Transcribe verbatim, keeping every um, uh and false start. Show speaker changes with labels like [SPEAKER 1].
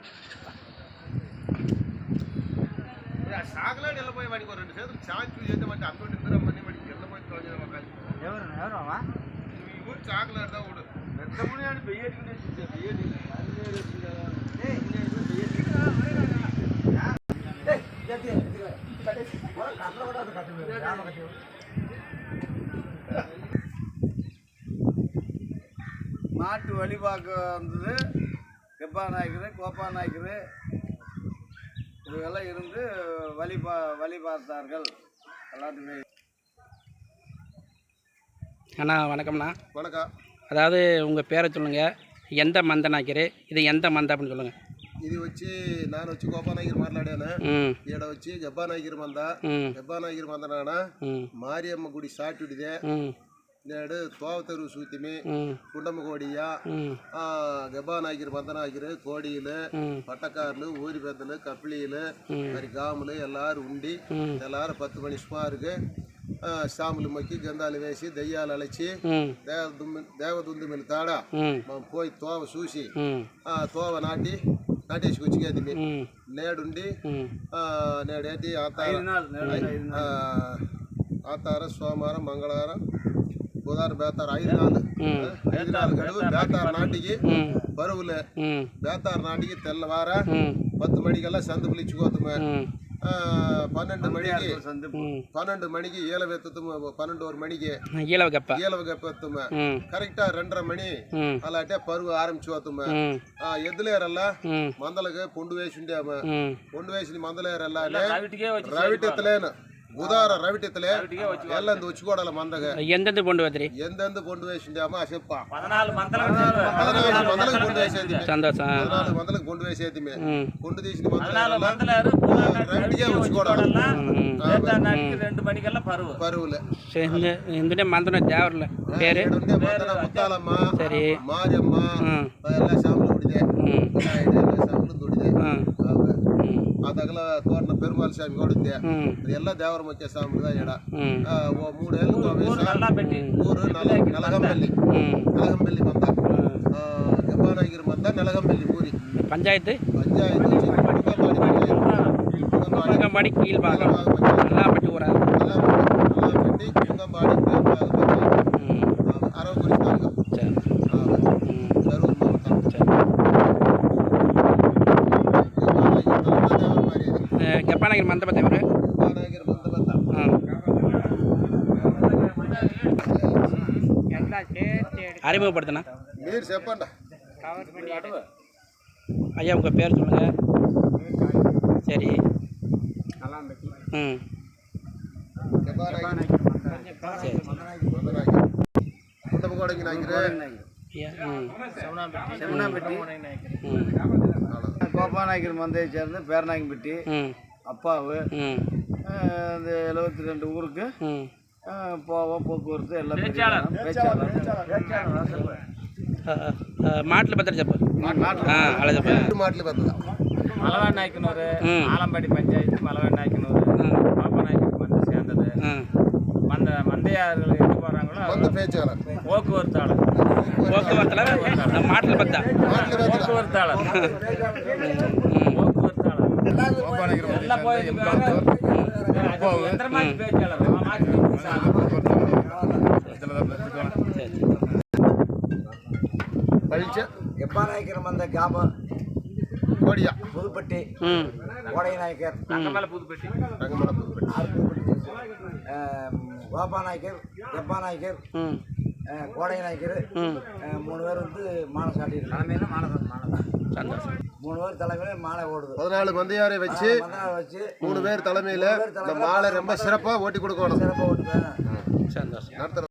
[SPEAKER 1] సాగలాడు వెళ్ళిపోయి వాడికి రెండు చేతులు చాచి చేస్తే వాటి అంతో నిద్ర మనీ వాడికి వెళ్ళిపోయి తోజన మొక్కలు
[SPEAKER 2] ఎవరు ఎవరమ్మా
[SPEAKER 1] ఈ ఊరు చాకలాడుదా ఊడు పెద్దముని అని బెయ్యట్టుకునే చూసే బెయ్యటి
[SPEAKER 3] மாட்டு வழிபாக்க வந்தது கெப்பா நாய்க்குது கோப்பா நாய்க்குது இதுவெல்லாம் இருந்து வழி பா வழி பார்த்தார்கள் எல்லாத்துக்குமே.
[SPEAKER 2] அண்ணா வணக்கம்ண்ணா.
[SPEAKER 1] வணக்கம்.
[SPEAKER 2] அதாவது உங்கள் பேரை சொல்லுங்கள், எந்த மந்த நாய்க்கரு இது, எந்த மந்த அப்படின்னு சொல்லுங்கள்.
[SPEAKER 1] ఇది వచ్చి నాన్న వచ్చి గోపానాగిరి మాట్లాడాను. ఈడ వచ్చి గబ్బానాగిరి మంద గబ్బానాగిరి మంద నాన్న మారియమ్మ గుడి సాటుడిదే. నేడు తోవతరు సూతిమి కుండమ్మ కోడియ గబ్బానాగిరి మందనాగిరి కోడీలు పట్టకారులు ఊరి పెద్దలు కప్లీలు మరి గాములు ఎల్లారు ఉండి ఎల్లారు పత్తు మణి సుమారుగా సాములు మొక్కి గంధాలు వేసి దయ్యాలు అలచి దేవదుమ్మి దేవదుందుమిని తాడ మనం పోయి తోవ చూసి ఆ తోవ నాటి నాటేసుకొచ్చి నేడుండి నేడేంటి ఆతార సోమవారం మంగళవారం బుధవారం బేతారు ఐదు నాలుగు ఐదు నాలుగు గడువు బేతారు నాటికి బరువులే బేతారు నాటికి తెల్లవార పత్తు మణికల్లా సందుపులు ఇచ్చుకోతాము. పన్నెండు మణికి పన్నెండు మణికి ఈల వెత్తుతాము. పన్నెండు మణికి ఈలవ గప్పెత్తాము. కరెక్టా రెండర మణి అలా అంటే పరువు ఆరంభించుకోతాము. ఎద్దులేరల్లా మందలకి పొండు వేసి ఉండేము. పొండు వేసి మందలేరల్లా రవిటెత్తలేను ఉదార రవిటెత్తలే ఎల్లంది వచ్చుకోడాల మందగా
[SPEAKER 2] ఎందెందు పొండు వేద్రి
[SPEAKER 1] ఎందెందు పొండు వేసిండేమా చెప్ప
[SPEAKER 2] పద్నాలుగు
[SPEAKER 1] మందలకు పొండు వేసేది పద్నాలుగు మందలకు పొండు వేసేది పొండు తీసిన రవిటికే వచ్చుకోడాలి పరువులే
[SPEAKER 2] ఎందుకంటే మందన దేవర్ల పేరు
[SPEAKER 1] ముత్తాలమ్మ మారియమ్మ ಎಲ್ಲ ಶಾಮಲು ದುಡಿದೆ ಶಾಮಲು ದುಡಿದೆ ಅದಗಲ ತೋರಣ ಪೆರುಮಾಳ ಸ್ವಾಮಿ ನೋಡಿದ್ದೆ ಎಲ್ಲ ದೇವರ ಮುಖ್ಯ ಸ್ವಾಮಿದ ಎಡ ಮೂಡೇళ్ళు ఊరు నలగంపల్లి నలగంపల్లి మంద గబ్బానాగిరి మంద నలగంపల్లి ఊరి
[SPEAKER 2] పంచాయతీ
[SPEAKER 1] పంచాయతీ
[SPEAKER 2] కుంగంబాడి కీల్బాగం నల్లాపట్టి ఊర
[SPEAKER 1] నల్లాపట్టి కుంగంబాడి అరవై గురి తాలూకా
[SPEAKER 2] గబ్బానాగిరి మంద బద్ద ఎవరు
[SPEAKER 1] గబ్బానాగిరి మంద బద్ద
[SPEAKER 2] அறிமுகப்படுத்தினா
[SPEAKER 1] మీరు చెప్పండి
[SPEAKER 2] ஐயா உங்கள் பேர் சொல்லுங்கள். சரி ம்
[SPEAKER 3] கோபாநாயக்கர் மந்தையை சேர்ந்து பேரநாயக்கம்பட்டி அப்பாவு இந்த எழுபத்தி ரெண்டு ஊருக்கு போவோம் போக்குவரத்து எல்லாம்
[SPEAKER 2] మాటలు పెద్ద చెప్పు అలా చెప్ప
[SPEAKER 1] మాటలు పెద్ద
[SPEAKER 4] మలవాడి నాయకునూరు ఆలంబడి పంచాయతీ మలవాడి నాయకునూరు கோபாநாயக்கர் மந்தை சேர்ந்தது மந்த மந்தையார்கள் எங்கே போகிறாங்களோ போக்குவரத்தாளர்
[SPEAKER 2] போக்குவரத்தாளர் மாட்டல் பத்தா
[SPEAKER 4] போக்குவரத்தாளர் போக்குவரத்தாளர் எல்லாம் போய் எந்திரமாச்சு பேச்சாளர்
[SPEAKER 3] గబ్బానాయకర్ మంద గ్రామం
[SPEAKER 1] కోడియా
[SPEAKER 3] புதுப்பட்டி கோடை நாயக்கர்
[SPEAKER 4] రంగమల புதுப்பட்டி
[SPEAKER 1] రంగమల புதுப்பட்டி
[SPEAKER 3] கோபாநாயக்கர் கெப்பாநாயக்கர் கோடை நாயக்கர் மூணு பேர் வந்து மாலை சாட்டியிருக்காங்க. மூணு பேர் தலைமையில மாலை ஓடுது.
[SPEAKER 1] பதினாலு மந்தையாரை வச்சு
[SPEAKER 3] வச்சு
[SPEAKER 1] மூணு பேர் தலைமையில இந்த மாலை ரொம்ப சிறப்பாக ஓட்டி கொடுக்கணும்.
[SPEAKER 3] சிறப்பாக ஓட்டுது.
[SPEAKER 1] நடத்துற